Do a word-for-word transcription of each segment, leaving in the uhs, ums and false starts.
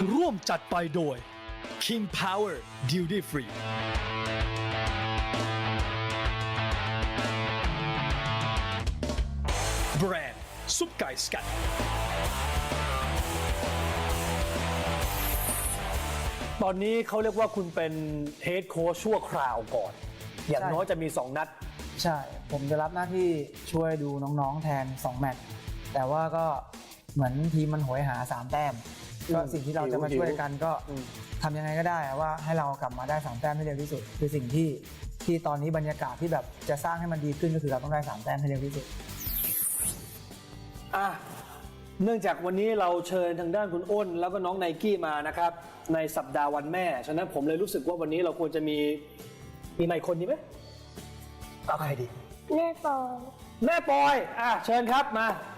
ร่วมจัดไปโดย King Power Duty Free แบรนด์ซุปไก่สกัดตอนนี้เขาเรียกว่าคุณเป็นเฮดโค้ชชั่วคราวก่อน อย่างน้อยจะมีสองนัดใช่ผมจะรับหน้าที่ช่วยดูน้องๆแทนสองแมตช์แต่ว่าก็เหมือนทีมมันโหยหาสามแต้มก็สิ่งที่เราจะมาช่วยกันก็ทำยังไงก็ได้ว่าให้เรากลับมาได้สามแต้มให้เร็วที่สุดคือสิ่งที่ที่ตอนนี้บรรยากาศที่แบบจะสร้างให้มันดีขึ้นก็คือเราต้องได้สามแต้มให้เร็วที่สุดอ่ะเนื่องจากวันนี้เราเชิญทางด้านคุณอ้นแล้วก็น้องไนกี้มานะครับในสัปดาห์วันแม่ฉะนั้นผมเลยรู้สึกว่าวันนี้เราควรจะมีมีใหม่คนดีไหมเอาใครดีแม่ปอยแม่ปอยอ่ะเชิญครับมาเอ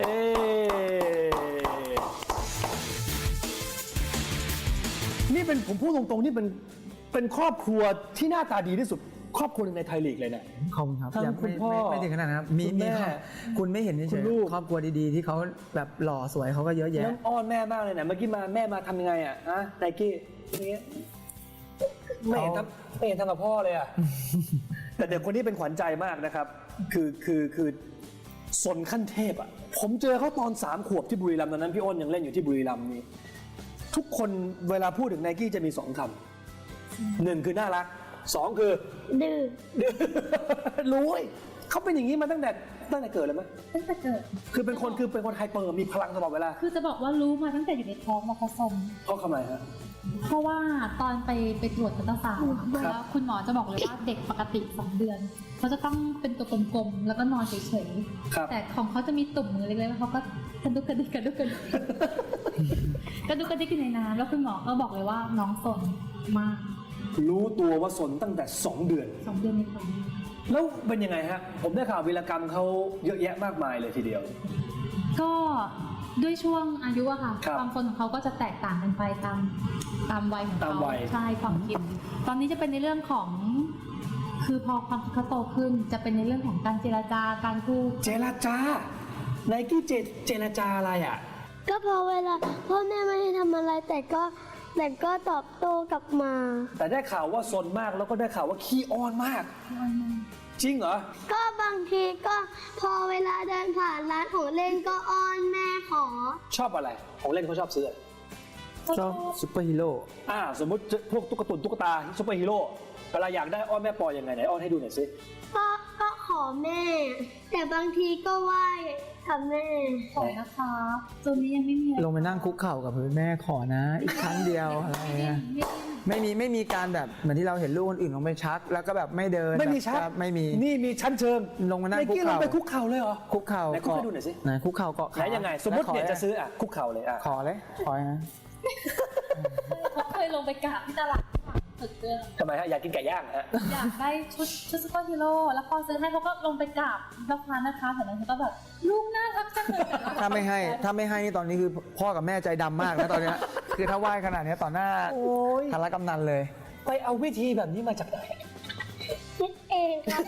นี่เป็นผมพูดตรงๆนี่เป็นเป็นครอบครัวที่หน้าตาดีที่สุดครอบครัวหนึ่งในไทยลีกเลยนะขอบคุณครับทั้งคุณพ่อไม่ถึงขนาดนั้นครับมีมีคุณไม่เห็นเฉยๆครอบครัวดีๆที่เขาแบบหล่อสวยเขาก็เยอะแยะน้องอ้อนแม่มากเลยนะเมื่อกี้มาแม่มาทำยังไงอ่ะอะไนกี้อย่างเงี้ยไม่เห็นทำไม่เห็นทำกับพ่อเลยอ่ะแต่เด็กคนนี้เป็นขวัญใจมากนะครับคือคือคือสนขั้นเทพอ่ะผมเจอเขาตอนสามขวบที่บุรีรัมย์ตอนนั้นพี่อ้นยังเล่นอยู่ที่บุรีรัมย์นี่ทุกคนเวลาพูดถึงไนกี้จะมีสองคำหนึ่งคือน่ารักสองคือดื้อดื้อรู้เขาเป็นอย่างนี้มาตั้งแต่ตั้งแต่เกิดเลยไหมตั้งแต่เกิดคือเป็นคนคือเป็นคนไฮเปอร์มีพลังตลอดเวลาคือจะบอกว่ารู้มาตั้งแต่อยู่ในท้องมาผสมเพราะทำไมฮะเพราะว่าตอนไปไปตรวจอัลตราซาวด์แล้วคุณหมอจะบอกเลยว่าเด็กปกติสองเดือนเขาจะต้องเป็นตัวกลมๆแล้วก็นอนเฉยๆแต่ของเขาจะมีตุ่มมือเล็กๆแล้วเขาก็กระดุกกระดิกกระดุกกระดิกกระดุกกระดิกในน้ำแล้วคุณหมอก็บอกเลยว่าน้องสนมากรู้ตัวว่าสนตั้งแต่สองเดือนสองเดือนในท้องแล้วเป็นยังไงฮะผมได้ข่าววีรกรรมเขาเยอะแยะมากมายเลยทีเดียวก็ด้วยช่วงอายุอะค่ะความคนของเขาก็จะแตกต่างกันไปตามตามวัยของเขาใช่ความคิดตอนนี้จะเป็นในเรื่องของคือพอความคิดเขาโตขึ้นจะเป็นในเรื่องของการเจรจาการพูดเจรจาไนกี้เจเจรจาอะไรอะก็พอเวลาพ่อแม่ไม่ให้ทำอะไรแต่ก็แต่ก็ตอบโต้กลับมาแต่ได้ข่าวว่าซนมากแล้วก็ได้ข่าวว่าขี้อ้อนมากจริงเหรอก็บางทีก็พอเวลาเดินผ่านร้านของเล่นก็อ้อนแม่ขอชอบอะไรของเล่นเขาชอบซื้อชอบซุปเปอร์ฮีโร่อ่าสมมติพวกตุ๊กตุนตุ๊กตาซุปเปอร์ฮีโร่เวลาอยากได้อ้อนแม่ปอยยังไงไหนอ้อนให้ดูหน่อยสิก็ก็ขอแม่แต่บางทีก็ไหว้ทำแม่ขอนะคะตัวนี้ยังไม่มีลงไปนั่งคุกเข่ากับแม่ขอนะอีกครั้งเดียวอะไรเงี้ยไม่มีไม่มีการแบบเหมือนที่เราเห็นลูกคนอื่นลงไปชักแล้วก็แบบไม่เดินไม่มีชักไม่มีนี่มีชั้นเชิงลงมานั่งคุกเข่าลงไปคุกเข่าเลยเหรอคุกเข่าไหนคุกให้ดูหน่อยสิไหนคุกเข่าเกาะไหนยังไงสมมติเนี่ยจะซื้ออ่ะคุกเข่าเลยอ่ะขอเลยขอนะเขาเคยลงไปกราบที่ตลาดฝึกเดินทำไมฮะอยากกินไก่ย่างฮะอยากได้ชุดชุดซุปเปอร์ฮีโร่แล้วพอซื้อให้เขาก็ลงไปกราบรับพานนะคะแต่นั้นเขาก็แบบลูกน่ารักจังเลยถ้าไม่ให้ถ้าไม่ให้นี่ตอนนี้คือพ่อกับแม่ใจดำมากนะตอนนี้คือถ้าไหว้ขนาดนี้ต่อหน้าทารกำนันเลยไปเอาวิธีแบบนี้มาจากไหนคิดเองครับ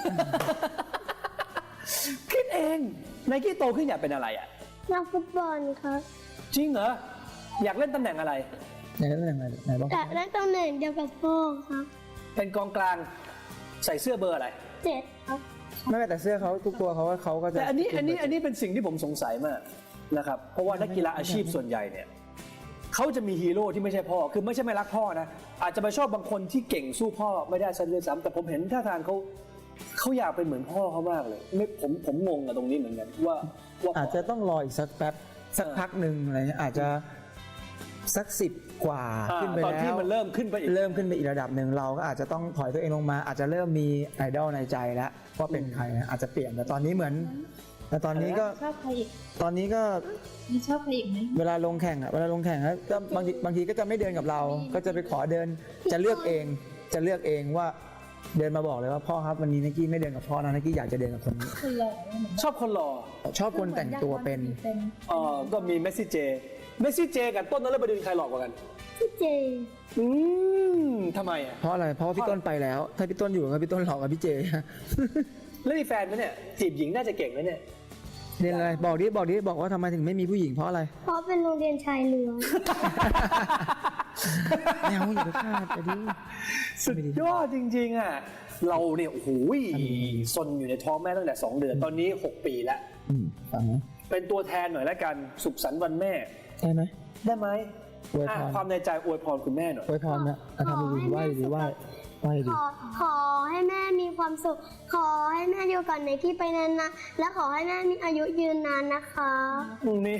คิดเองไนกี้โตขึ้นอยากเป็นอะไรอ่ะนักฟุตบอลครับจริงเหรออยากเล่นตำแหน่งอะไรอยากเล่นตำแหน่งอะไรไหนบ้างอยากเล่นตำแหน่งเดียวกับพ่อครับเป็นกองกลางใส่เสื้อเบอร์อะไรเจ็ดครับไม่แต่เสื้อเขาทุกตัวเขาเขาก็จะแต่อันนี้อันนี้อันนี้เป็นสิ่งที่ผมสงสัยมากนะครับเพราะว่านักกีฬาอาชีพส่วนใหญ่เนี่ยเขาจะมีฮีโร่ที่ไม่ใช่พ่อคือไม่ใช่ไม่รักพ่อนะอาจจะไปชอบบางคนที่เก่งสู้พ่อไม่ได้ซะด้วยซ้ำแต่ผมเห็นท่าทางเขาเขาอยากเป็นเหมือนพ่อเขามากเลยไม่ผมผมงงกับตรงนี้เหมือนกันว่าอาจจะต้องรออีกสักแป๊บสักพักหนึ่งอะไรเงี้ยอาจจะสักสิบกว่าขึ้นไปแล้วตอนที่มันเริ่มขึ้นไปอีกเริ่มขึ้นไปอีกระดับหนึ่งเราก็อาจจะต้องถอยตัวเองลงมาอาจจะเริ่มมีไอดอลในใจแล้วว่าเป็นใครนะอาจจะเปลี่ยนแต่ตอนนี้เหมือนแต่ตอนนี้ก็ชอบใครอีกตอนนี้ก็มีชอบใครอีกไหมเวลาลงแข่งอะเวลาลงแข่งแล้วก็บางทีบางทีก็จะไม่เดินกับเราก็จะไปขอเดินจะเลือกเองจะเลือกเองว่าเดินมาบอกเลยว่าพ่อครับวันนี้ไนกี้ไม่เดินกับพ่อนะไนกี้อยากจะเดินกับคนนี้ชอบคนหล่อชอบคนแต่งตัวเป็นอ๋อก็มีเมสซี่เจเมสซี่เจกับต้นนฤบดินใครหล่อกว่ากันพี่เจอืมทำไมอ่ะเพราะอะไรเพราะพี่ต้นไปแล้วถ้าพี่ต้นอยู่กับพี่ต้นหล่อกว่าพี่เจแล้วมีแฟนไหมเนี่ยจีบหญิงน่าจะเก่งนะเนี่ยเรียนอะไรบอกดิบอกดิบอกว่าทำไมถึงไม่มีผู้หญิงเพราะอะไรเพราะเป็นโรงเรียนชายล้วนไม่เอาอย่าไปฆ่าจะดีสุดยอดจริงๆอ่ะเราเนี่ยโอ้โหซนอยู่ในท้องแม่ตั้งแต่สองเดือนตอนนี้หกปีแล้วอืมฟังนะเป็นตัวแทนหน่อยละกันสุขสันต์วันแม่ได้ไหมได้ไหมอวยพรอ่ะความในใจอวยพรคุณแม่หน่อยอวยพรนะอ่ะทำดีๆไหว้ดีไหว้ไหว้ขดีอขอให้แม่มีความสุข ขอให้แม่อยู่กับไนกี้ไปนานนะและขอให้แม่มีอายุยืนนานนะคะนี่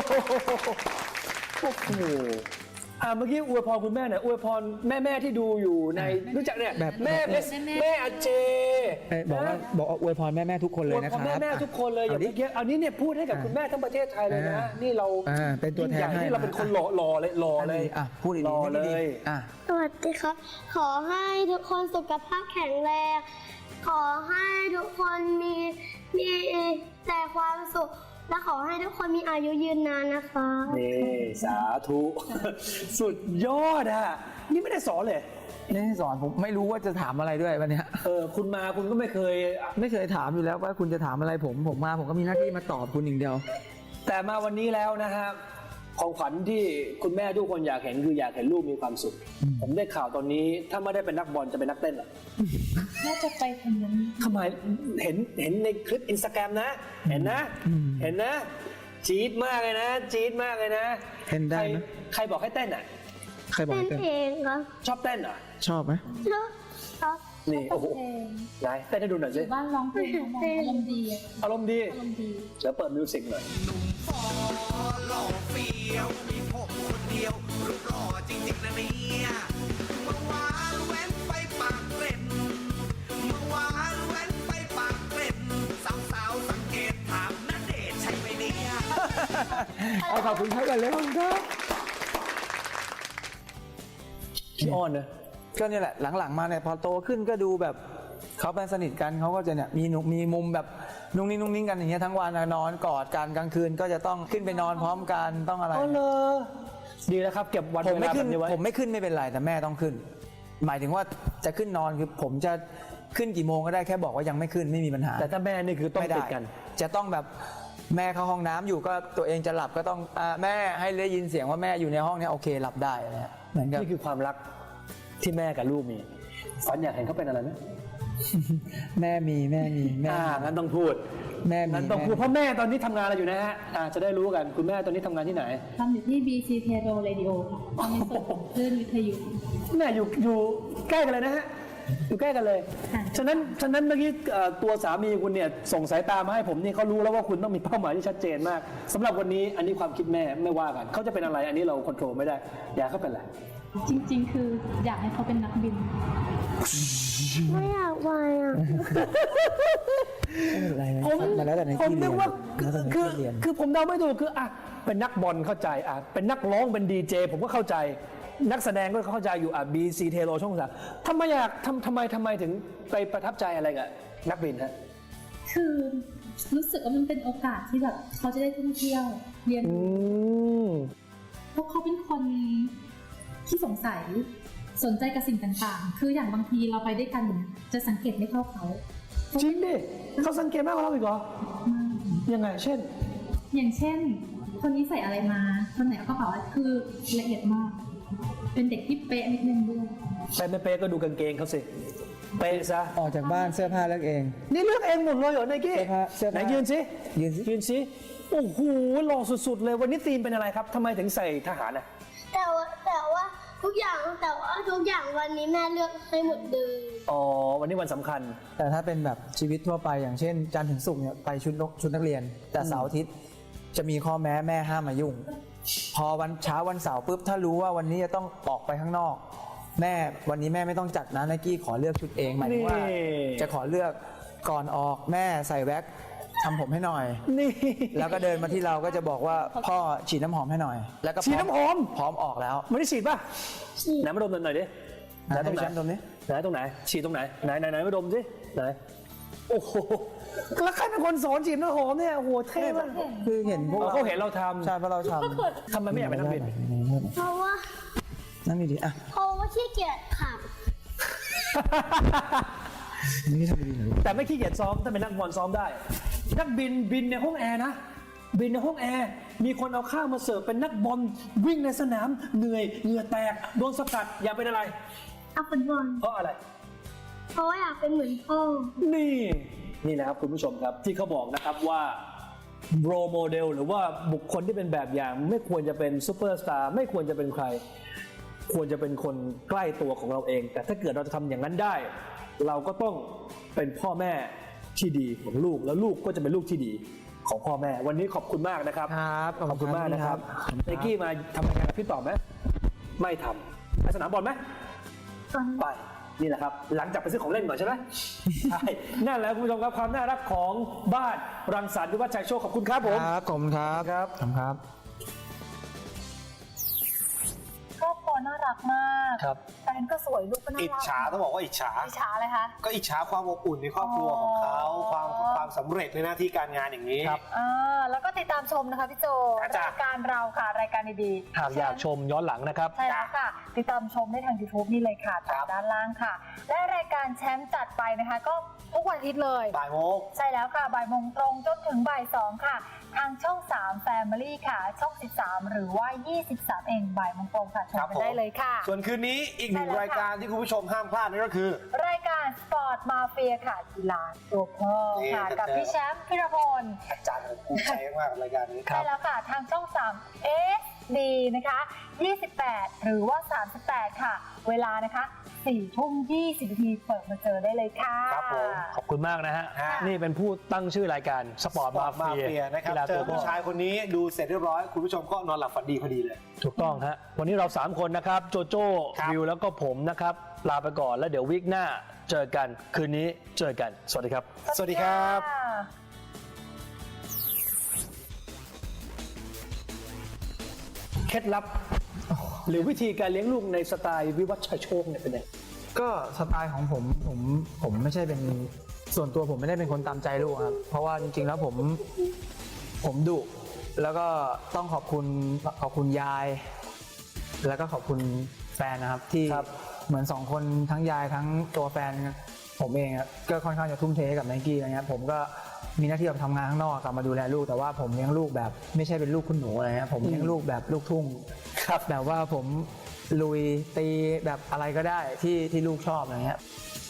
โอ้โหอ่าเมื่อกี้อวยพรคุณแม่หน่อยอวยพรแม่แม่ๆที่ดูอยู่ในรู้จักเนี่ยแม่แม่แม่อาเจเอ้ยบอกว่าบอกอวยพรแม่แม่ทุกคนเลยนะคอวยพรับแม่แม่ๆทุกคนเลยอย่างดิเมื่อกี้อันนี้เนี่ยพูดให้กับคุณแม่ทั้งประเทศไทยเลยนะอ่านี่เราอ่าเป็นตัวแทนยิ่งใหญ่ให้นี่เราเป็นคนหล่อหล่อเลยหล่อเลยอ่ะพูดดีๆรอพูดดีๆเลยอ่ะสวัสดีครับ ขอให้ทุกคนสุขภาพแข็งแรง ขอให้ทุกคนมีมีแต่ความสุข และขอให้ทุกคนมีอายุยืนนานนะคะนี่สาธุ สุดยอดอ่ะนี่ไม่ได้สอนเลยนี่สอนผมไม่รู้ว่าจะถามอะไรด้วยวันเนี้ยเออคุณมาคุณก็ไม่เคยไม่เคยถามอยู่แล้วว่าคุณจะถามอะไรผมผมมาผมก็มีหน้าที่มาตอบคุณอย่างเดียวแต่มาวันนี้แล้วนะฮะของขวัญที่คุณแม่ทุกคนอยากเห็นคืออยากเห็นลูกมีความสุขอืมผมได้ข่าวตอนนี้ถ้าไม่ได้เป็นนักบอลจะเป็นนักเต้นเหรอน่าจะไปทำนั้นทำไมเห็นเห็นในคลิปอินสตาแกรมนะ เห็นนะ เห็นนะจี๊ดมากเลยนะจี๊ดมากเลยนะเต้นได้ใครไหมใครบอกให้เต้นอ่ะใครบอกเต้นให้เต้นเองครับชอบเต้นเหรอ่ะชอบไหมแล้วครับนี่โอ้โหเพลงไหนเต้นให้ดูหน่อยอสิยู่บ้านร้องเพลงทั้งวันอารมณ์ดีอะอารมณ์ดีอารมณ์ดีเดี๋ยวเปิดมิวสิกหน่อยฟอหล่อเฟี้ยวมีผมคนเดียวรูปหล่อจริงๆนะเนี่ยเมื่อวานแว้นไปปากเกร็ดเมื่อวานแว้นไปปากเกร็ดสาวๆสังเกตถามณเดชน์ใช่ไหมเนี่ยเอาขอบคุณครับกันเลยครับพี่อ้อนนะก็เนี่ยแหละหลังๆมาเนี่ยพอโตขึ้นก็ดูแบบเขาเป็นสนิทกันเขาก็จะเนี่ยมีนุมีมุมแบบนุ่งนิ่งนุ่งนิ่งกันอย่างเงี้ยทั้งวันอะนอนกอดกันกลางคืนก็จะต้องขึ้นไปนอนพร้อมกันต้องอะไรอ๋อเลยดีแล้วครับเก็บวันผมเวไม่ลาแบขึ้นบนี้ไว้ผมไม่ขึ้นไม่เป็นไรแต่แม่ต้องขึ้น หมายถึงว่าจะขึ้นนอนคือผมจะขึ้นกี่โมงก็ได้แค่บอกว่ายังไม่ขึ้นไม่มีปัญหาแต่ถ้าแม่นี่คือต้องไม่ได้ติดกันจะต้องแบบแม่เข้าห้องน้ำอยู่ก็ตัวเองจะหลับก็ต้องอ่าแม่ให้ได้ยินเสียงว่าแม่อยู่ในห้องเนี้ยโอเคหลับได้อะไรเงี้ยเหมือนกับนี่คือความรักที่แม่กับลูกมีฝันอยากเห็นเขาเป็นอะไรไหมแม่มีแม่มีแม่อ่ามีงั้นต้องพูดแม่มีงั้นต้องพูดเพราะแม่ตอนนี้ทำงานอะไรอยู่นะฮะอ่าจะได้รู้กันคุณแม่ตอนนี้ทำงานที่ไหนทำอยู่ที่ บี ซี เทโร Radio ค่ะทำในส่วนของคลื่นวิทยุแม่อยู่อยู่ใกล้กันเลยนะฮะอยู่ใกล้กันเลยค่ะฉะนั้นฉะนั้นเมื่อกี้เอ่อตัวสามีคุณเนี่ยส่งสายตามาให้ผมนี่เขารู้แล้วว่าคุณต้องมีเป้าหมายที่ชัดเจนมากสำหรับวันนี้อันนี้ความคิดแม่ไม่ว่ากันเขาจะเป็นอะไรอันนี้เราควบคุมไม่ได้อยากเขาเป็นอะไรจริงๆ คืออยากให้เขาเป็นนักบินไม่อยากไปอ่ะไม่เป็นไรไหมผมมาแล้วแต่ในผมที่เรีนึยกนว่าแล้วแต่ในคือที่เรียนคือผมเดาไม่ถูกคืออ่ะเป็นนักบอลเข้าใจอ่ะเป็นนักร้องเป็นดีเจผมก็เข้าใจนักแสดงก็เข้าใจอยู่อ่ะบีซีเทโลช่องสามทำไมอยากทำทำไมทำไมถึงไปประทับใจอะไรกับนักบินฮะคือรู้สึกว่ามันเป็นโอกาสที่แบบเขาจะได้ท่องเที่ยวเรียนอืรู้มเพราะเขาเป็นคนที่สงสัยสนใจกับสิ่งต่างๆ คืออย่างบางทีเราไปด้วยกันเนี่ยจะสังเกตไม่เท่าเขาจริงดิเขาสังเกตมากกว่าเราอีกเหรอยังไงเช่นอย่างเช่น คนนี้ใส่อะไรมาคนไหนเอากระเป๋าอะไรคือละเอียดมาก เป็นเด็กที่เป๊ะนิดนึงด้วยไปไม่เป๊ะก็ดูกางเกงเขาสิเป๊ะซะออกจากบ้านเสื้อผ้าเลือกเองนี่เลือกเองหมดเลยเหรอไนกี้เสื้อผ้าเสื้อผ้าไหนยืนสิยืนสิยืนสิโอ้โหหล่อสุดๆเลยวันนี้ธีมเป็นอะไรครับทำไมถึงใส่ทหารอ่ะแต่ว่าแต่ว่าทุกอย่างแต่ว่าทุกอย่างวันนี้แม่เลือกให้หมดเลยอ๋อวันนี้วันสำคัญแต่ถ้าเป็นแบบชีวิตทั่วไปอย่างเช่นจันทร์ถึงศุกร์เนี่ยไปชุดนกชุดนักเรียน แต่เสาร์อาทิตย์จะมีข้อแม้แม่ห้ามมายุ่ง พอวันเช้าวันเสาร์ปุ๊บถ้ารู้ว่าวันนี้จะต้องออกไปข้างนอก แม่วันนี้แม่ไม่ต้องจัดนะไนกี้ขอเลือกชุดเองหมายถึงว่านี่จะขอเลือกก่อนออกแม่ใส่แว็กซ์ทำผมให้หน่อยนี่แล้วก็เดินมาที่เราก็จะบอกว่าพ่อฉีดน้ำหอมให้หน่อย แล้วก็ฉีดน้ำหอมพร้อมออกแล้วไม่ได้ฉีดป่ะไหนมาดมหน่อยดิไหนตรงไหนให้ฉันดมดิไหนตรงไหนฉีดตรงไหนไหนไหนไหนมาดมสิไหนโอ้โหแล้วใครเป็นคนสอนฉีดน้ำหอมเนี่ยโอ้โหเท่มากคือเห็นพวกอ๋อเขาเห็นเราทใช่เพราะเราทำทำไมไม่อยากเป็นนักบินเพราะว่าำนั่งดีๆอ่ะเพราะว่าขี้เกียจขับนี่ทำดีๆหน่อยแต่ไม่ขี้เกียจซ้อมถ้าเป็นนักบอลซ้อมได้ นักบินบินในห้องแอร์นะ บินในห้องแอร์มีคนเอาข้าวมาเสิร์ฟเป็นนักบอลวิ่งในสนามเหนื่อยเหงื่อแตกโดนสกัดอยากเป็นอะไรเอาฟุตบอลเพราะอะไรเพราะว่าอยากเป็นเหมือนพ่อนี่นี่นะครับคุณผู้ชมครับที่เขาบอกนะครับว่าโรโมเดลหรือว่าบุคคลที่เป็นแบบอย่างไม่ควรจะเป็นซูเปอร์สตาร์ไม่ควรจะเป็นใคร ควรจะเป็นคนใกล้ตัวของเราเอง แต่ถ้าเกิดเราจะทำอย่างนั้นได้ เราก็ต้องเป็นพ่อแม่ที่ดีของลูกแล้วลูกก็จะเป็นลูกที่ดีของพ่อแม่วันนี้ขอบคุณมากนะครับครับขอบคุณมากนะครับขอบคุณครับไนกี้มาทำรายการกับพี่ต่อไหมไม่ทำไปสนามบอลไหม ไปนี่แหละครับหลังจากไปซื้อของเล่นก่อนใช่ไหม ใช่นั่นแหละคุณผู้ชมครับความน่ารักของบ้านรังสรรค์วิวัฒน์ชัยโชคขอบคุณครับผมครับขอบคุณครับครับขอบคุณครับครอบครัวน่ารักมากครับแฟนก็สวยลูกก็น่าอิจรักฉาต้องบอกว่าอิจฉาอิจฉาเลยคะก็อิจฉาความอบอุ่นในครอบครัวของเขาอ๋อความความสำเร็จในหน้าที่การงานอย่างนี้ครับอ่าแล้วก็ติดตามชมนะคะพี่โจจ้ะรายการเราค่ะรายการดีๆหากอยากชมย้อนหลังนะครับใช่แล้วค่ะ ติดตามชมได้ทาง YouTube นี่เลยค่ะครัตามบด้านล่างค่ะ และรายการแชมป์จัดไปนะคะ ก็ทุกวันอาทิตย์เลยบ่ายโมงใช่แล้วค่ะบ่ายโมงตรงจนถึงบ่ายสองค่ะ ทางช่องสาม Family ค่ะ ช่องสิบสามหรือว่ายี่สิบสามเองบ่ายโมงตรงค่ะชมครับกันผมได้เลยค่ะส่วนคืนนี้อีกหนึ่งใช่แล้วค่ะรายการที่คุณผู้ชมห้ามพลาดนั่นก็คือรายการสปอร์ตมาเฟียค่ะกีฬาตัวพ่อค่ะนี่กับพี่แชมป์พิรพลอาจารย์ผมภูมิใจมากกับรายการนี้ใช่แล้วค่ะ ทางช่องสาม เอส ดี นะคะยี่สิบแปดหรือว่าสามสิบแปดค่ะ เวลานะคะสี่ทุ่มยี่สิบนาทีเปิดมาเจอได้เลยค่ะครับผมขอบคุณมากนะฮะฮะนี่เป็นผู้ตั้งชื่อรายการสปอร์ตบอมากมาเฟีเฟียยนะครับกีฬาเจตัอวพ่ผู้อชายคนนี้ดูเสร็จเรียบร้อย คุณผู้ชมก็นอนหลับฝันดีพอดีเลยถูกต้องฮะวันนี้เราสามคนนะครับโจโจ้ครับวิวแล้วก็ผมนะครับลาไปก่อนแล้วเดี๋ยววีคหน้าเจอกันคืนนี้เจอกันสวัสดีครับสวัสดีครับเคล็ดลับ หรือวิธีการเลี้ยงลูกในสไตล์วิวัฒน์ชัยโชคเนี่ยเป็นไงก็สไตล์ของผมผมผมไม่ใช่เป็นส่วนตัวผมไม่ได้เป็นคนตามใจลูกครับเพราะว่าจริงๆแล้วผมผมดุแล้วก็ต้องขอบคุณขอบคุณยาย แล้วก็ขอบคุณแฟนนะครับที่ครับเหมือนสองคนทั้งยายทั้งตัวแฟนผมเองอะก็ค่อนข้างจะทุ่มเทให้กับไนกี้อะไรเงี้ยผมก็มีหน้าที่ไปทำงานข้างนอกกลับมาดูแลลูกแต่ว่าผมเลี้ยงลูกแบบไม่ใช่เป็นลูกคุณหนูอะไรเงี้ยผมเลี้ยงลูกแบบลูกทุ่งครับแบบว่าผมลุยตีแบบอะไรก็ได้ที่ที่ลูกชอบอะไรเงี้ย